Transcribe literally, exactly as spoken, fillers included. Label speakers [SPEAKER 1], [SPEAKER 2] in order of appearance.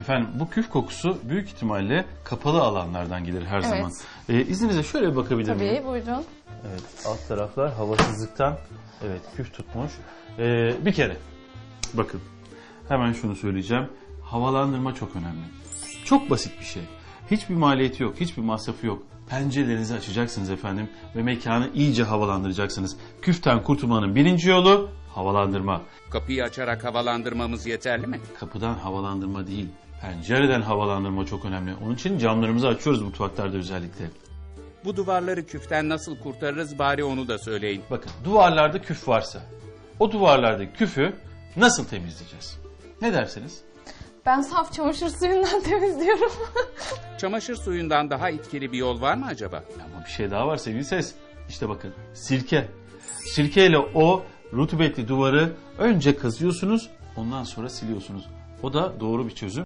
[SPEAKER 1] Efendim bu küf kokusu büyük ihtimalle kapalı alanlardan gelir her
[SPEAKER 2] Evet.
[SPEAKER 1] zaman. Ee, izninizle şöyle bir bakabilir miyim?
[SPEAKER 2] Tabii, buyurun.
[SPEAKER 1] Evet, alt taraflar havasızlıktan evet küf tutmuş. Ee, bir kere bakın hemen şunu söyleyeceğim. Havalandırma çok önemli. Çok basit bir şey. Hiçbir maliyeti yok, hiçbir masrafı yok. Pencerelerinizi açacaksınız efendim ve mekanı iyice havalandıracaksınız. Küften kurtulmanın birinci yolu havalandırma.
[SPEAKER 3] Kapıyı açarak havalandırmamız yeterli mi?
[SPEAKER 1] Kapıdan havalandırma değil, pencereden havalandırma çok önemli. Onun için camlarımızı açıyoruz mutfaklarda özellikle.
[SPEAKER 3] Bu duvarları küften nasıl kurtarırız bari onu da söyleyin.
[SPEAKER 1] Bakın duvarlarda küf varsa o duvarlardaki küfü nasıl temizleyeceğiz? Ne dersiniz?
[SPEAKER 2] Ben saf çamaşır suyundan temizliyorum.
[SPEAKER 3] Çamaşır suyundan daha etkili bir yol var mı acaba?
[SPEAKER 1] Ama bir şey daha var sevgili ses. İşte bakın sirke. Sirkeyle o rutubetli duvarı önce kazıyorsunuz ondan sonra siliyorsunuz. O da doğru bir çözüm.